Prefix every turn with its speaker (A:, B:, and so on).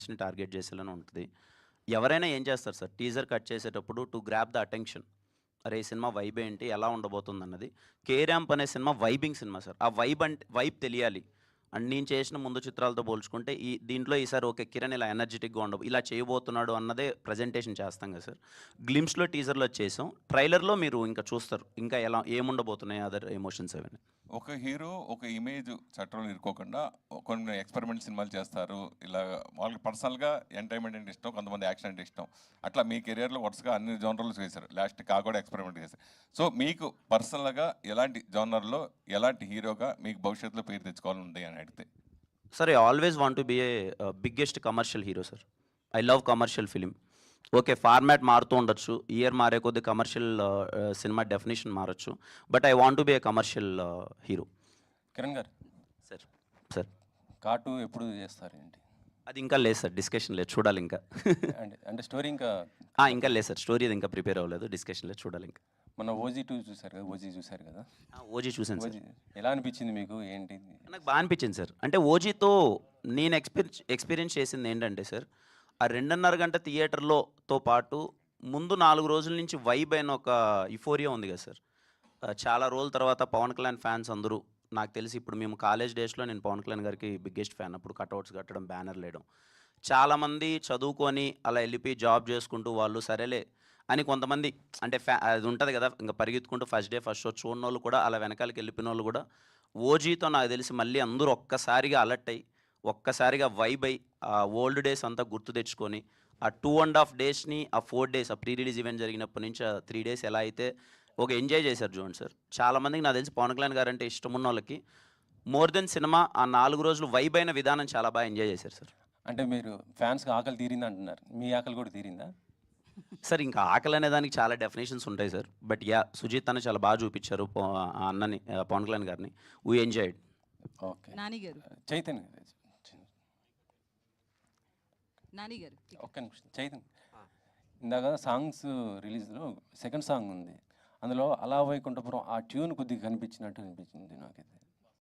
A: ని టార్గెట్ చేసేలానే ఉంటది. ఎవరైనా ఏం చేస్తారు సార్, టీజర్ కట్ చేసేటప్పుడు టు గ్రాబ్ ద అటెన్షన్. అరే! ఈ సినిమా వైబ్ ఏంటి? ఎలా ఉండబోతుందన్నది. 'కే ర్యాంప్' అనే సినిమా వైబింగ్ సినిమా సార్. ఆ వైబ్ తెలియాలి. అండ్ నేను చేసిన ముందు చిత్రాలతో పోల్చుకుంటే దీంట్లో ఈసారి ఓకే. కిరణ్ ఇలా ఎనర్జిటిక్‌గా ఇలా చేయబోతున్నాడు అన్నదే ప్రెజెంటేషన్ చేస్తాం కదా సార్. గ్లిమ్స్‌లో, టీజర్‌లో చేసాం. ట్రైలర్‌లో మీరు ఇంకా చూస్తారు. ఇంకా ఎలా ఏముండబోతున్నాయి అదర్ ఎమోషన్స్ అవన్నీ.
B: ఒక హీరో ఒక ఇమేజ్ చట్టంలో ఇరుక్కోకుండా కొన్ని ఎక్స్పెరిమెంట్ సినిమాలు చేస్తారు. ఇలా వాళ్ళకి పర్సనల్గా ఎంటర్టైన్మెంట్ అంటే ఇష్టం, కొంతమంది యాక్షన్ అంటే ఇష్టం. అట్లా మీ కెరియర్లో వరుసగా అన్ని జోనర్లు చేశారు. లాస్ట్ కూడా ఎక్స్పెరిమెంట్ చేశారు. సో మీకు పర్సనల్గా ఎలాంటి జోనర్లో ఎలాంటి హీరోగా మీకు భవిష్యత్తులో పేరు తెచ్చుకోవాలని ఉంది అని అడిగితే?
A: Sir, I always want to be a biggest commercial hero sir. I love commercial film. Okay. Format మారుతూ ఉండొచ్చు. ఇయర్ మారే కొద్దీ కమర్షియల్ సినిమా డెఫినిషన్ మారొచ్చు. But I want to be a commercial hero.
C: Kiran గారు,
A: సార్. సార్.
C: కార్టూ ఎప్పుడు చేస్తారేంటి?
A: అది ఇంకా లేదు సార్. డిస్కషన్ లేదు. చూడాలి ఇంకా.
C: అంటే స్టోరీ ఇంకా
A: ఇంకా లేదు సార్. స్టోరీ అది ఇంకా ప్రిపేర్ అవ్వలేదు. డిస్కషన్ లేదు. చూడాలి ఇంకా.
C: మొన్న ఓజీ 2 చూసారు కదా, ఓజీ చూసారు కదా?
A: ఓజీ చూసాను సార్.
C: ఓజీ ఎలా అనిపించింది మీకు? ఏంటి?
A: నాకు బాగా అనిపించింది సార్. అంటే ఓజీతో నేను ఎక్స్పీరియన్స్ చేసింది ఏంటంటే సార్, ఆ 2:30 గంట థియేటర్‌లోతో పాటు ముందు 4 రోజుల నుంచి వైబ్ అయిన ఒక యుఫోరియా ఉంది కదా సార్. చాలా రోజుల తర్వాత పవన్ కళ్యాణ్ ఫ్యాన్స్ అందరూ, నాకు తెలిసి ఇప్పుడు మేము కాలేజ్ డేస్‌లో నేను పవన్ కళ్యాణ్ గారికి బిగ్గెస్ట్ ఫ్యాన్. అప్పుడు కటౌట్స్ కట్టడం, బ్యానర్లు వేయడం. చాలామంది చదువుకొని అలా వెళ్ళిపోయి జాబ్ చేసుకుంటూ వాళ్ళు సరేలే అని కొంతమంది, అంటే అది ఉంటుంది కదా, ఇంకా పరిగెత్తుకుంటూ ఫస్ట్ డే ఫస్ట్ షో చూడనోళ్ళు కూడా, అలా వెనకాలకి వెళ్ళిపోయినోళ్ళు కూడా ఓజీతో నాకు తెలిసి మళ్ళీ అందరూ ఒక్కసారిగా అలర్ట్ అయ్యి, ఒక్కసారిగా వైబ్ అయ్యి, ఆ ఓల్డ్ డేస్ అంతా గుర్తు తెచ్చుకొని, ఆ 2.5 డేస్‌ని, ఆ 4 డేస్, ఆ ప్రీ రిలీజ్ ఈవెంట్ జరిగినప్పటి నుంచి ఆ 3 డేస్ ఎలా అయితే ఒక ఎంజాయ్ చేశారు చూడండి సార్. చాలామందికి నాకు తెలిసి పవన్ కళ్యాణ్ గారంటే ఇష్టమున్నోళ్ళకి మోర్ దెన్ సినిమా ఆ 4 రోజులు వైబ్ అయిన విధానం చాలా బాగా ఎంజాయ్ చేశారు సార్.
C: అంటే మీరు ఫ్యాన్స్కి ఆకలి తీరింది అంటున్నారు, మీ ఆకలి కూడా తీరిందా?
A: సార్, ఇంకా ఆకలి అనే దానికి చాలా డెఫినేషన్స్ ఉంటాయి సార్. బట్ సుజీత్ అన్న చాలా బాగా చూపించారు ఆ అన్నని, పవన్ కళ్యాణ్ గారిని. We enjoyed.
C: ఓకే.
D: నాని గారు,
C: చైతన్య గారు,
D: నాని గారు.
C: ఒక్క నిమిషం. చైతన్య, ఇందాక సాంగ్స్ రిలీజ్లో సెకండ్ సాంగ్ ఉంది, అందులో అలా వైకుంఠపురం ఆ ట్యూన్ కొద్దిగా కనిపించినట్టు అనిపించింది నాకైతే.